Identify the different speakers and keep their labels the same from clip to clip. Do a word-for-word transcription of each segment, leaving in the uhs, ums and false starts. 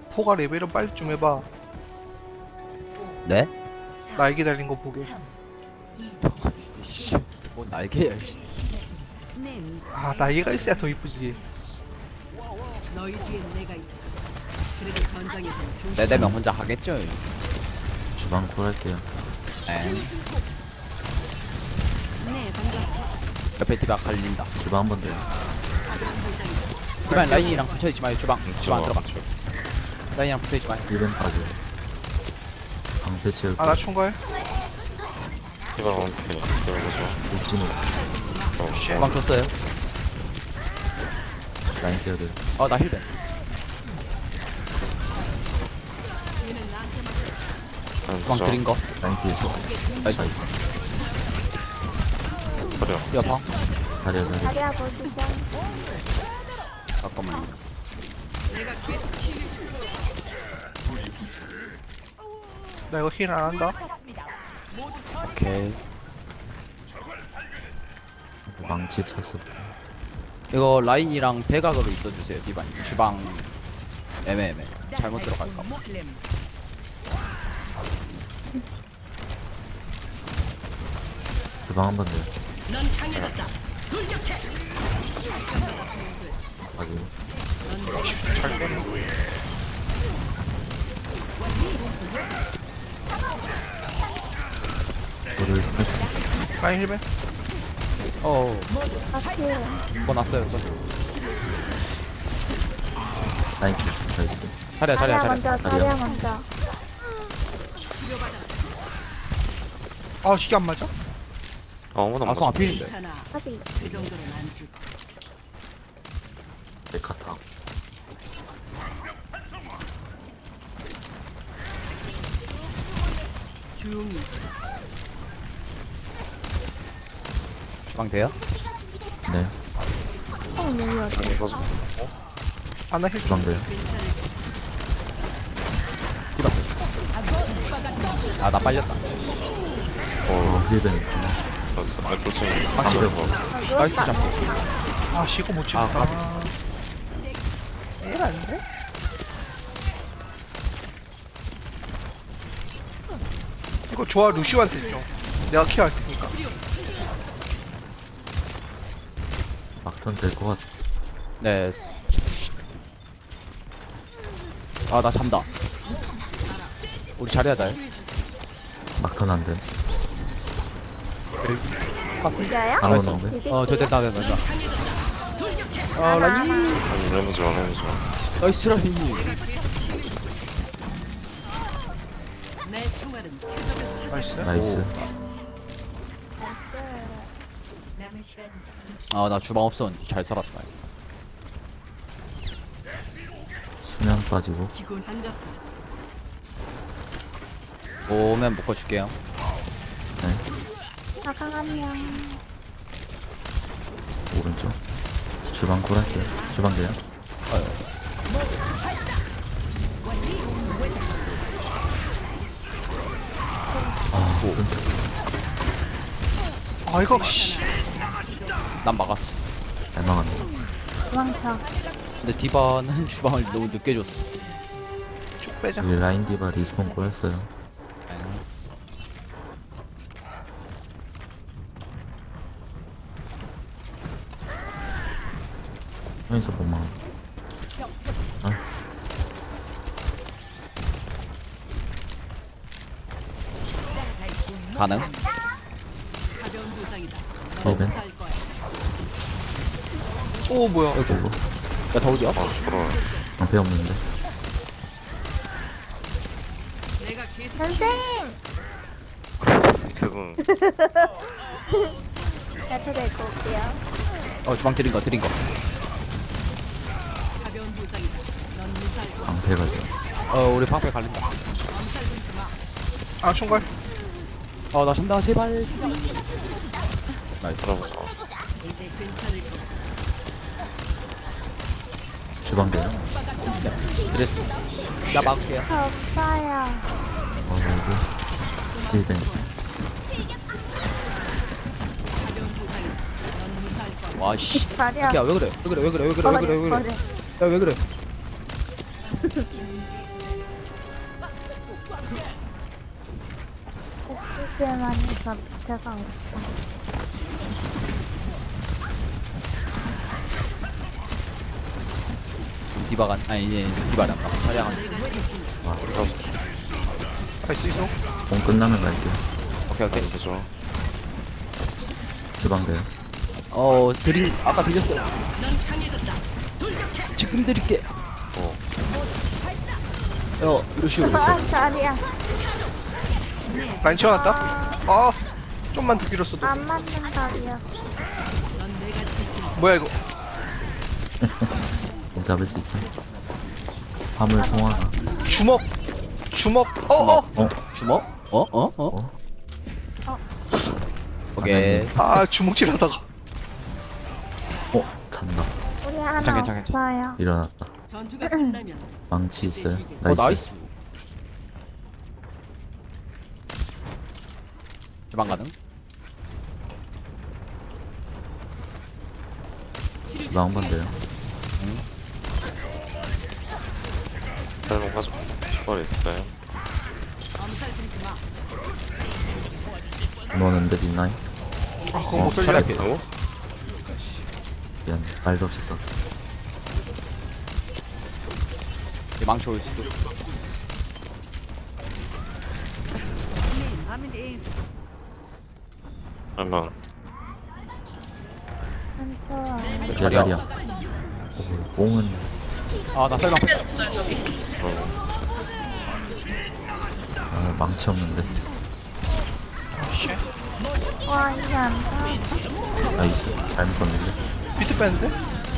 Speaker 1: 포가 레벨은 빨리 좀 해봐.
Speaker 2: 네?
Speaker 1: 날개 달린 거 보게.
Speaker 2: 씨, 뭐 날개야. 씨.
Speaker 1: 아 날개가 있어야 더 이쁘지.
Speaker 3: 너희 뒤엔 내가 있다. 그래도 전장에서는 중
Speaker 2: 네 대면 혼자 하겠죠.
Speaker 4: 주방 콜할게요.
Speaker 2: 에
Speaker 3: 네, 반갑다.
Speaker 2: 옆에 디바 갈린다.
Speaker 4: 주방 한 번 더요.
Speaker 2: 디바 라인이랑 붙어있지 마요. 주방 주방 안 들어가. 라인이랑 붙어있지 마요.
Speaker 4: 일 벤 빠져. 방패 채울게.
Speaker 1: 아나 총괄.
Speaker 5: 이걸 원피 들어보죠.
Speaker 4: 울진호.
Speaker 2: 주방 줬어요.
Speaker 4: 라인 깨야 돼.
Speaker 2: 어나 힐벤. 주방 드린 거.
Speaker 4: 라인 뒤에서.
Speaker 2: 나이스.
Speaker 5: 버려.
Speaker 2: 여파.
Speaker 4: 다리야 다리.
Speaker 6: 다리야 보시죠.
Speaker 2: 잠깐만요.
Speaker 1: 나 이거 힐 안 한다.
Speaker 2: 오케이.
Speaker 4: 망치 쳤어.
Speaker 2: 이거 라인이랑 대각으로 있어주세요. 디바님. 주방 애매애매. 잘못 들어갈까 봐.
Speaker 4: 주방 한 번 더요.
Speaker 3: 넌 강해졌다.
Speaker 4: 빠지고.
Speaker 1: 잘 빼네.
Speaker 4: 도를 스매스.
Speaker 1: 라인 힐벤.
Speaker 2: 어.
Speaker 6: 같이
Speaker 2: 뭐 났어요. 이거.
Speaker 4: 라인 뒤. 나이스.
Speaker 2: 자리야 자리야
Speaker 6: 다리야
Speaker 2: 자리야.
Speaker 6: 먼저. 다리야 먼저.
Speaker 1: 아 이게 안 맞아?
Speaker 5: 아, 아무도 안
Speaker 2: 아성
Speaker 5: 맞아.
Speaker 2: 앞필인데.
Speaker 3: 괜찮아.
Speaker 6: 하비.
Speaker 3: 그 정도는 안 줄.
Speaker 4: 메카타.
Speaker 3: 조용히.
Speaker 2: 주방 돼요?
Speaker 4: 네.
Speaker 6: 어 너무 어디?
Speaker 5: 이거
Speaker 1: 아나 힐.
Speaker 4: 주방 더요.
Speaker 2: 디바. 아나 빨렸다.
Speaker 4: 어 힐벤.
Speaker 5: 맞았어. 아, 그렇지.
Speaker 2: 확실히.
Speaker 5: 방금
Speaker 2: 나이스 잡고.
Speaker 1: 아 시고 못
Speaker 2: 아,
Speaker 1: 찍었다. 힐 아닌데? 이거 좋아 루시오한테 줘. 내가 케어할 테니까.
Speaker 4: 막턴 될 것 같아.
Speaker 2: 네. 아 나 잔다. 우리 자리야 돼.
Speaker 4: 막턴 안 돼.
Speaker 6: 진짜야?
Speaker 4: 안
Speaker 2: 나이스.
Speaker 4: 오는데.
Speaker 2: 어 됐다 됐다 됐다. 아 라인.
Speaker 5: 아니, 레몬 좋아, 레몬 좋아.
Speaker 2: 나이스 라인.
Speaker 3: 내 총알은
Speaker 1: 나이스.
Speaker 4: 나이스.
Speaker 2: 아나 주방 없었는데 잘 살았다.
Speaker 4: 수면 빠지고.
Speaker 3: 기군 한갑.
Speaker 2: 오면 묶어줄게요.
Speaker 4: 네.
Speaker 6: 사강 한 명.
Speaker 4: 오른쪽. 주방 콜할게요. 주방 돼요. 아 오른쪽.
Speaker 1: 아 이거 씨.
Speaker 2: 난 막았어.
Speaker 4: 잘 막았네.
Speaker 6: 도망쳐.
Speaker 2: 근데 디바는 주방을 너무 늦게 줬어.
Speaker 1: 쭉 빼자.
Speaker 4: 여기 라인 디바 리스폰 꼬였어요. 여기서 못 막아.
Speaker 2: 가능?
Speaker 3: 가벼운 부상이다.
Speaker 4: 힐벤.
Speaker 3: 살 거야.
Speaker 1: 오 뭐야?
Speaker 2: 아이고. 야 더우디야?
Speaker 5: 아, 부러워.
Speaker 4: 방패 없는데.
Speaker 3: 내가 계속
Speaker 6: 선생.
Speaker 5: 지금
Speaker 6: 야채 데리고 올게요.
Speaker 2: 어 주방 드린 거 드린 거.
Speaker 3: 가벼운 부상이다. 넌 무사할 거야.
Speaker 4: 방패가 돼.
Speaker 2: 어 우리 방패 갈린다.
Speaker 1: 아 총괄.
Speaker 2: 어나 잔다 제발. 나이스.
Speaker 5: 들어보자.
Speaker 3: 이제 괜찮을 거야.
Speaker 4: 주방 돼요.
Speaker 2: 드레스. 나 막을게요.
Speaker 6: 저 없어요.
Speaker 4: 어 여기. 힐벤.
Speaker 2: 와씨.
Speaker 6: 다리야.
Speaker 2: 야왜 그래? 왜 그래? 왜 그래? 왜 그래? 왜 그래? 왜 그래?
Speaker 6: 버려.
Speaker 2: 야 왜 그래?
Speaker 6: 엑스지만 해서 제가 없어.
Speaker 2: 디바가 아니 이제 디바란다. 자리야가.
Speaker 1: 할 수 있어?
Speaker 4: 공 끝나면 갈게요.
Speaker 2: 오케이 오케이.
Speaker 5: 라인 부좋아.
Speaker 4: 주방 돼요.
Speaker 2: 어 드림 아까 드렸어요. 지금 드릴게.
Speaker 5: 어.
Speaker 2: 어 루시오.
Speaker 6: 아, 자리야.
Speaker 1: 라인 채워놨다? 아 좀만 더 길었어도.
Speaker 6: 안 맞는 자리야.
Speaker 1: 뭐야 이거?
Speaker 4: 공 잡을 수 있죠. 화물 송화가.
Speaker 1: 주먹 주먹 어어
Speaker 4: 어?
Speaker 2: 주먹? 어? 어? 어?
Speaker 4: 어?
Speaker 2: 오케이.
Speaker 1: 아 주먹질 하다가
Speaker 4: 어? 잔다.
Speaker 6: 우리 하나
Speaker 2: 괜찮아, 괜찮아,
Speaker 6: 없어요.
Speaker 4: 일어났다.
Speaker 3: 전투가 끝나면
Speaker 4: 망치 있어요.
Speaker 2: 어
Speaker 4: 나이스.
Speaker 2: 나이스. 주방 가능?
Speaker 4: 주방 한 번 돼요.
Speaker 5: 짤몽 가져. 초월 있어요.
Speaker 4: 넣었는데 뒷라인.
Speaker 1: 아 그거 못
Speaker 4: 어,
Speaker 1: 살려.
Speaker 2: 차라리
Speaker 5: 어?
Speaker 4: 미안. 말도 없이 썼어.
Speaker 2: 망치 올 수도.
Speaker 5: 한번
Speaker 6: 한쪽.
Speaker 2: 자리야.
Speaker 4: 자리야. 오, 뽕은
Speaker 2: 아나 쌀망.
Speaker 4: 아, 망치 없는데.
Speaker 6: 와, 이게 안 돼.
Speaker 4: 나이스. 잘못 봤는데.
Speaker 1: 비트 뺐는데?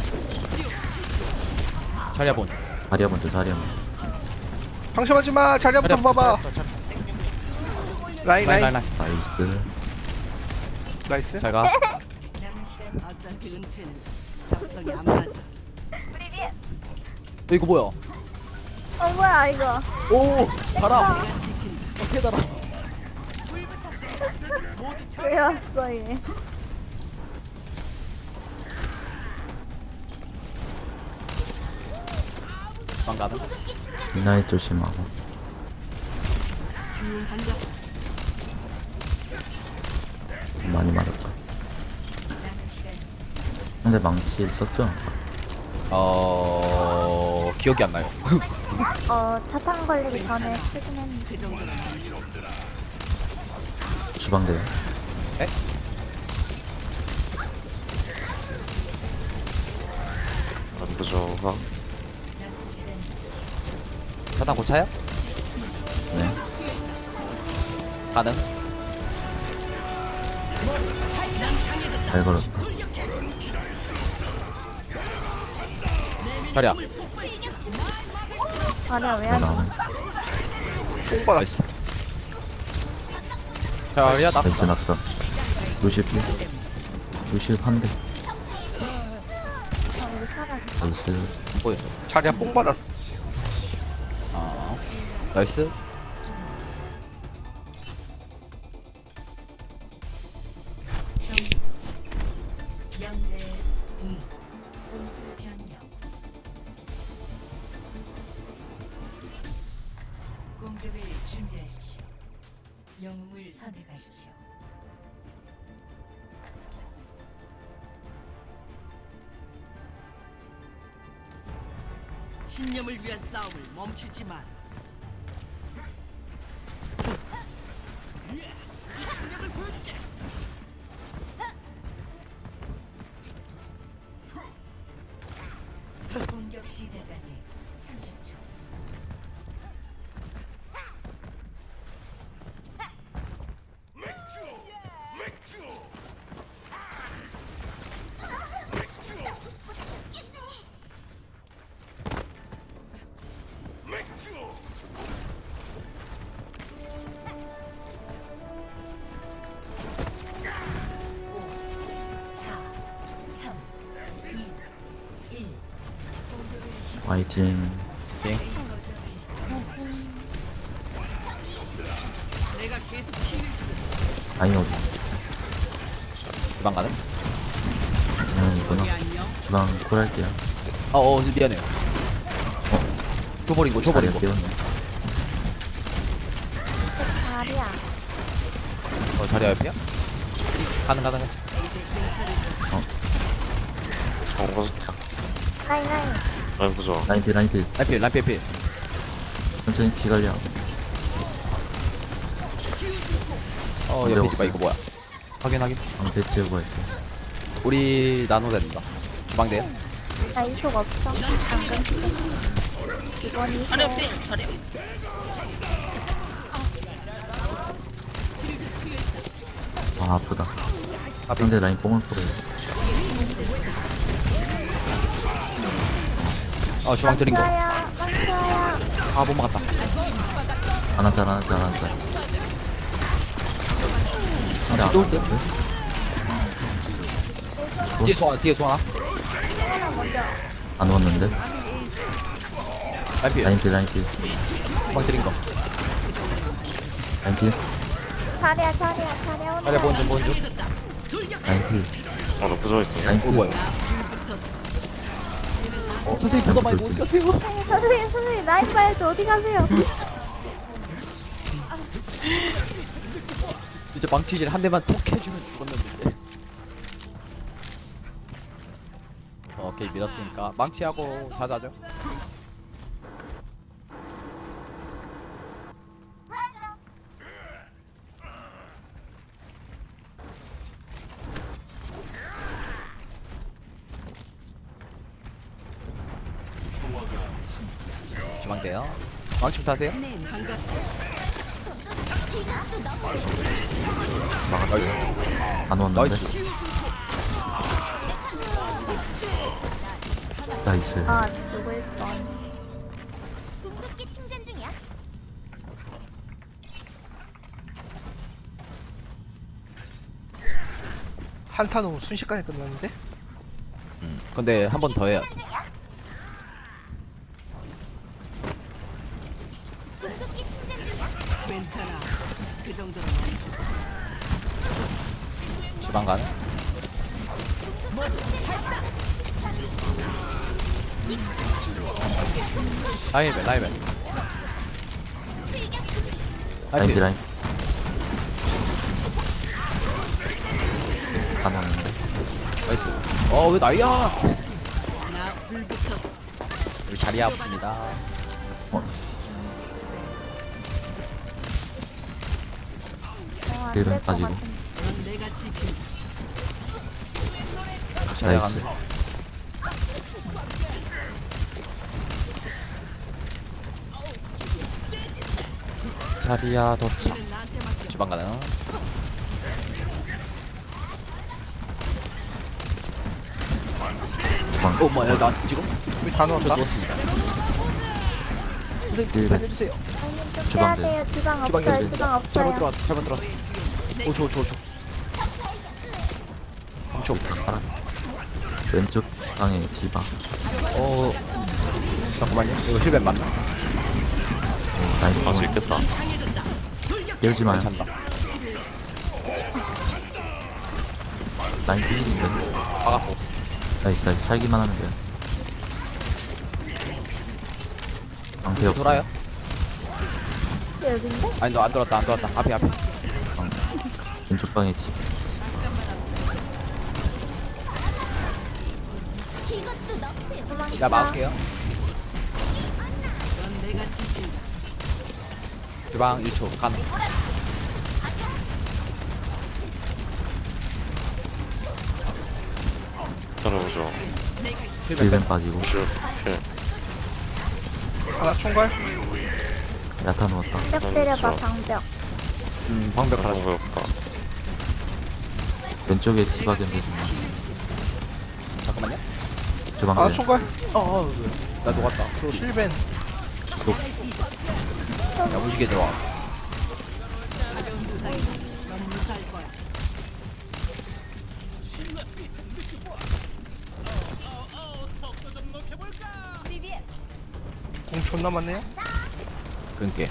Speaker 2: 자리야 본.
Speaker 4: 자리야 먼저 자리야 먼저.
Speaker 1: 방심하지 마. 자리
Speaker 2: 자리야
Speaker 1: 한번 봐봐. 라인
Speaker 2: 라인 라인
Speaker 1: 라인
Speaker 2: 라인.
Speaker 4: 나이스.
Speaker 1: 나이스.
Speaker 2: 잘 가.
Speaker 3: 어차피 은치는 적성이 안 맞아.
Speaker 2: 어, 이거 뭐야?
Speaker 6: 어, 뭐야, 이거.
Speaker 2: 오 달아. 어떻게 달아?
Speaker 6: 왜 왔어, 얘.
Speaker 2: 주방 가능?
Speaker 4: 뒷라인 조심하고. 많이 맞았다. 근데 망치 있었죠?
Speaker 2: 어 기억이 안 나요.
Speaker 6: 어, 차탄 걸리기 전에 쓰긴 했는데.
Speaker 4: 주방 돼요.
Speaker 5: 안 부좋아.
Speaker 2: 자탄 고차야?
Speaker 4: 네.
Speaker 2: 가능?
Speaker 4: 잘 걸었다.
Speaker 2: 자리야.
Speaker 6: 자리야, 왜
Speaker 4: 뭐
Speaker 6: 안 돼?
Speaker 4: 나오네.
Speaker 1: 뽕 받았어.
Speaker 2: 나이스. 자리야 나.
Speaker 4: 나이스 낙서. 루시오 피. 루시오 한 대.
Speaker 6: 어, 우리 살았어.
Speaker 4: 나이스.
Speaker 2: 보여.
Speaker 1: 자리야 뽕 받았어.
Speaker 2: 아 나이스.
Speaker 7: 점수 영 대 이. 공수 변경. 공격을 준비하십시오. 영웅을 선택하십시오.
Speaker 3: 신념을 위한 싸움을 멈추지 마.
Speaker 7: 공격 시작까지 삼십 초. 사, 삼, 이, 일. 공격을 시작.
Speaker 4: 화이팅.
Speaker 2: 빙.
Speaker 3: 내가 계속 치유
Speaker 4: 아니 어디?
Speaker 2: 주방 가능?
Speaker 4: 그냥 이거나.
Speaker 3: 안녕.
Speaker 4: 주방 콜할게요.
Speaker 2: 어어 미안해요. 줘버린 거 줘버린 거.
Speaker 4: 깨웠네.
Speaker 6: 자리야.
Speaker 2: 어 자리 옆이야? 가능 가능.
Speaker 5: 어 꺼졌다.
Speaker 6: 라인 라인.
Speaker 5: 라인 부좋아.
Speaker 4: 라인 필 라인 필.
Speaker 2: 라이필 라이필 필.
Speaker 4: 천천히 피 관리하고.
Speaker 2: 어
Speaker 4: 네,
Speaker 2: 옆에
Speaker 4: 없어요.
Speaker 2: 디바 이거 뭐야? 확인 확인.
Speaker 4: 방패 채우고 할게.
Speaker 2: 우리 나노 된다. 주방대요?
Speaker 6: 나 이속 없어. 방금. 이번 이속.
Speaker 4: 아 아프다.
Speaker 2: 앞에
Speaker 4: 상대 라인 뽕을 풀어요.
Speaker 2: 어 주방 드린 거.
Speaker 6: 망쳐야. 망쳐야.
Speaker 2: 아 못 막았다.
Speaker 4: 안 왔자 안 왔자 안 왔자. 상대 안
Speaker 2: 또 올게.
Speaker 4: 왔는데?
Speaker 2: 뒤에 소환 뒤에 소환.
Speaker 4: 안 왔는데?
Speaker 2: 라이필
Speaker 4: 라인 필 라인 필.
Speaker 2: 주방 드린 거.
Speaker 4: 라인 필.
Speaker 6: 자리야 자리야 자리야.
Speaker 2: 자리 보는 중 보는 중.
Speaker 4: 라인 필.
Speaker 5: 어나 부좋아 있어.
Speaker 4: 라인
Speaker 2: 어
Speaker 4: 필.
Speaker 2: 뭐야? 어 선생님 보다 말고 어디 가세요?
Speaker 6: 선생님 선생님 라인 봐야지 어디 가세요?
Speaker 2: 진짜 망치질 한 대만 톡 해주면 죽었는데 이제. 그래서 오케이 밀었으니까 망치하고 자자죠. 주방대요. 망치 타세요. 나이스
Speaker 4: 안 왔는데?
Speaker 2: 나이스.
Speaker 4: 나이스.
Speaker 6: 아 죽을 뻔.
Speaker 1: 한타 너무 순식간에 끝났는데?
Speaker 2: 음, 근데 한 번 더 해야 돼.
Speaker 3: 괜찮아. 그 정도는
Speaker 2: 주방 가는. 라이벨 라이벨.
Speaker 4: 라인 필
Speaker 2: 라이벨.
Speaker 4: 라인. 안 왔는데?
Speaker 2: 나이스. 어왜 나이야?
Speaker 3: 나 불붙었어.
Speaker 2: 우리 자리 아픕니다.
Speaker 4: 힐은 빠지고.
Speaker 3: 넌 내가 지킨다.
Speaker 2: 자리
Speaker 4: 나이스.
Speaker 2: 가는. 자리야 도착. 주방 가능.
Speaker 4: 주방.
Speaker 2: 어 뭐야 나 지금
Speaker 1: 우리 다
Speaker 2: 저
Speaker 1: 넣었다.
Speaker 2: 누웠습니다. 선생님
Speaker 4: 네.
Speaker 2: 살려주세요.
Speaker 6: 아니 좀
Speaker 4: 주방
Speaker 6: 빼야 돼요. 주방
Speaker 2: 주방이
Speaker 6: 없어요.
Speaker 2: 없어요.
Speaker 6: 주방
Speaker 2: 잘못
Speaker 6: 없어요.
Speaker 2: 들어왔어 잘못 들어왔어. 오줘줘줘. 삼 초.
Speaker 4: 살아. 왼쪽 방에 디바.
Speaker 2: 어 잠깐만요. 이거 힐벤 맞나?
Speaker 4: 라인
Speaker 5: 알 수
Speaker 4: 뽕을
Speaker 5: 있겠다.
Speaker 4: 깨우지 마요.
Speaker 2: 괜찮다.
Speaker 4: 라인 필인데.
Speaker 2: 막았고.
Speaker 4: 나이스 나이스. 살기만 하면 돼요. 방패 없어.
Speaker 2: 돌아요?
Speaker 6: 여긴데?
Speaker 2: 아니 너 안 돌았다 안 돌았다. 앞에 앞에.
Speaker 4: 왼쪽 방에 디바.
Speaker 2: 나 막을게요.
Speaker 3: 넌 내가 지킨다.
Speaker 2: 주방 일 초 가능.
Speaker 5: 따라 부좋아.
Speaker 2: 힐벤
Speaker 4: 힐벤 빠지고.
Speaker 5: 슈 필.
Speaker 1: 하나 총괄.
Speaker 4: 야타 누웠다.
Speaker 6: 벽 때려봐
Speaker 5: 좋아.
Speaker 6: 방벽.
Speaker 2: 음 방벽 하나
Speaker 5: 방법 없다.
Speaker 4: 왼쪽에 디바 견제주면.
Speaker 2: 잠깐만요.
Speaker 4: 주방
Speaker 1: 하나
Speaker 4: 대.
Speaker 1: 총괄.
Speaker 2: 어어 나 녹았다. 소리.
Speaker 1: 힐벤.
Speaker 2: 야 무지개 들어와.
Speaker 3: 넌 무사할 거야.
Speaker 1: 공 존나 많네요.
Speaker 2: 끊게.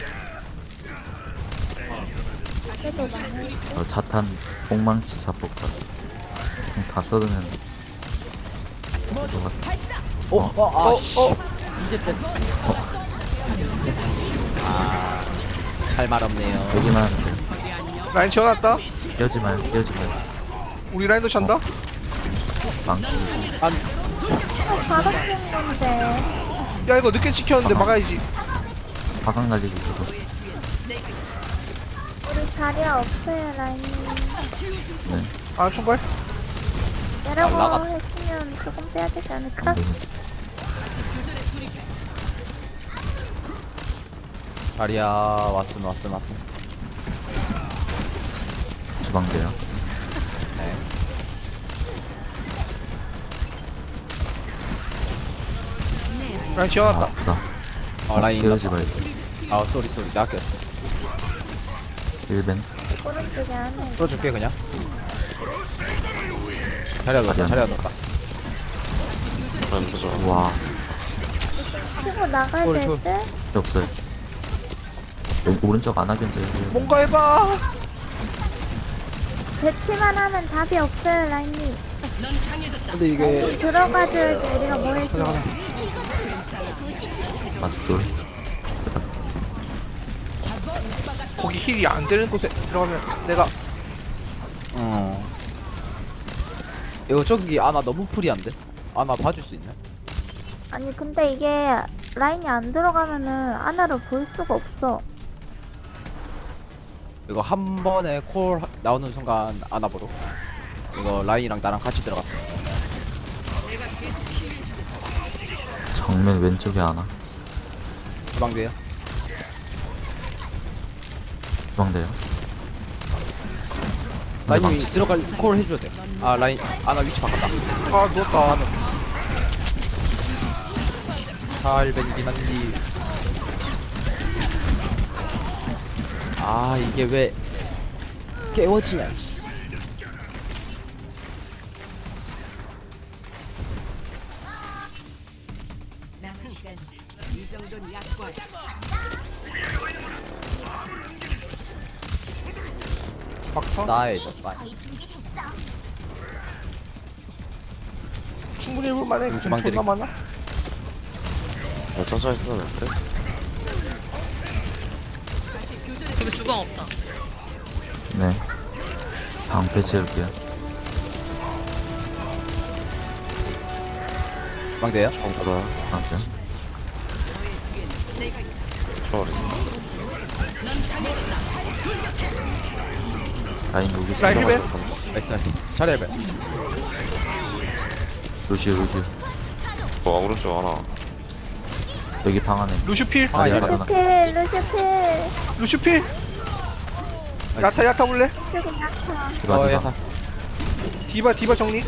Speaker 6: 그래도 나는
Speaker 4: 어, 자탄 뽕망치 자폭발. 그냥 다 써두면 될것 같아.
Speaker 2: 어? 어? 아
Speaker 1: 어,
Speaker 2: 씨.
Speaker 1: 어.
Speaker 2: 이제 뺐어. 할 말 없네요.
Speaker 4: 여기만 하면 돼.
Speaker 1: 라인 지어놨다.
Speaker 4: 깨우지 마요, 깨우지 마요.
Speaker 1: 우리 라인도 찬다.
Speaker 4: 망치.
Speaker 2: 안
Speaker 6: 어, 바로 뜬 건데.
Speaker 1: 야 이거 늦게 지켰는데 막아야지.
Speaker 4: 화강 날리고 있어서.
Speaker 6: 우리 자리야 없어요, 라인이.
Speaker 4: 네.
Speaker 1: 아 총괄.
Speaker 6: 이라고
Speaker 2: 나가-
Speaker 6: 했으면 조금 빼야 되지 않을까?
Speaker 4: 네.
Speaker 2: 자리야 왔음 왔음 왔음.
Speaker 4: 주방대요.
Speaker 2: 네.
Speaker 1: 라인
Speaker 4: 아,
Speaker 1: 지어놨다.
Speaker 4: 아프다.
Speaker 2: 어 라인.
Speaker 4: 깨우지 말고.
Speaker 2: 아 쏘리 쏘리 나 꼈어.
Speaker 4: 일벤.
Speaker 6: 오른쪽에 안에.
Speaker 2: 풀어줄게 그냥. 자리야 넣었다 자리야 넣었다.
Speaker 5: 라인 부좋아.
Speaker 4: 와,
Speaker 6: 치고 나가야
Speaker 2: 쫄,
Speaker 6: 될
Speaker 2: 쫄.
Speaker 6: 듯?
Speaker 4: 필요 없어요. 왼- 오른쪽 안 하겠는데.
Speaker 1: 뭔가 해봐.
Speaker 6: 배치만 하면 답이 없어요, 라인이.
Speaker 2: 근데 이게
Speaker 6: 들어가줘야지, 우리가 뭐 해줘.
Speaker 4: 맞돌.
Speaker 1: 거기 힐이 안 되는 곳에 들어가면 내가
Speaker 2: 어 이거 저기 아나 너무 프리한데? 아나 봐줄 수 있나?
Speaker 6: 아니, 근데 이게 라인이 안 들어가면은 아나를 볼 수가 없어.
Speaker 2: 이거 한 번에 콜 하- 나오는 순간 아나 보러. 이거 라인이랑 나랑 같이 들어갔어.
Speaker 4: 정면 왼쪽에 하나.
Speaker 2: 주방대요.
Speaker 4: 주방대요.
Speaker 2: 라인이 들어갈 콜 해줘야 돼. 아 라인 아나 위치 바꿨다.
Speaker 1: 아 누웠다.
Speaker 2: 살벤이긴 한디. 아 이게 왜 깨워지냐 이씨.
Speaker 7: 남은 시간
Speaker 3: 이 정도는 약관.
Speaker 1: 막타.
Speaker 2: 싸해졌다.
Speaker 1: 충분히 해볼만해.
Speaker 2: 이거
Speaker 1: 주방
Speaker 2: 주방
Speaker 1: 존나 많아.
Speaker 5: 야, 천천히 쓰면 될 듯?
Speaker 8: 저기 주방 없다.
Speaker 4: 네. 방패 채울게요.
Speaker 2: 주방대요.
Speaker 5: 정보라.
Speaker 4: 방패.
Speaker 5: 초월했어.
Speaker 4: 라인 여기
Speaker 1: 라인 힐벤.
Speaker 2: 나이스 나이스. 자리 헬벤.
Speaker 4: 루시오, 루시오.
Speaker 5: 와, 오른쪽 하나.
Speaker 4: 여기 방 안에.
Speaker 1: 루슈필.
Speaker 2: 아,
Speaker 4: 자리
Speaker 2: 예.
Speaker 4: 하나.
Speaker 6: 루시필, 루시필.
Speaker 1: 루슈필. 야타 야타 볼래?
Speaker 6: 여기 낙타.
Speaker 4: 디바,
Speaker 2: 어
Speaker 4: 디바.
Speaker 2: 야타.
Speaker 1: 디바 디바 정리.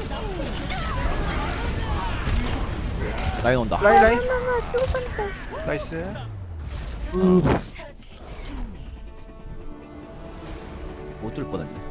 Speaker 2: 라인 온다.
Speaker 1: 라인 라인.
Speaker 6: 엄마, 죽었다.
Speaker 1: 나이스.
Speaker 7: 처치 승리.
Speaker 2: 못 들 뻔했네.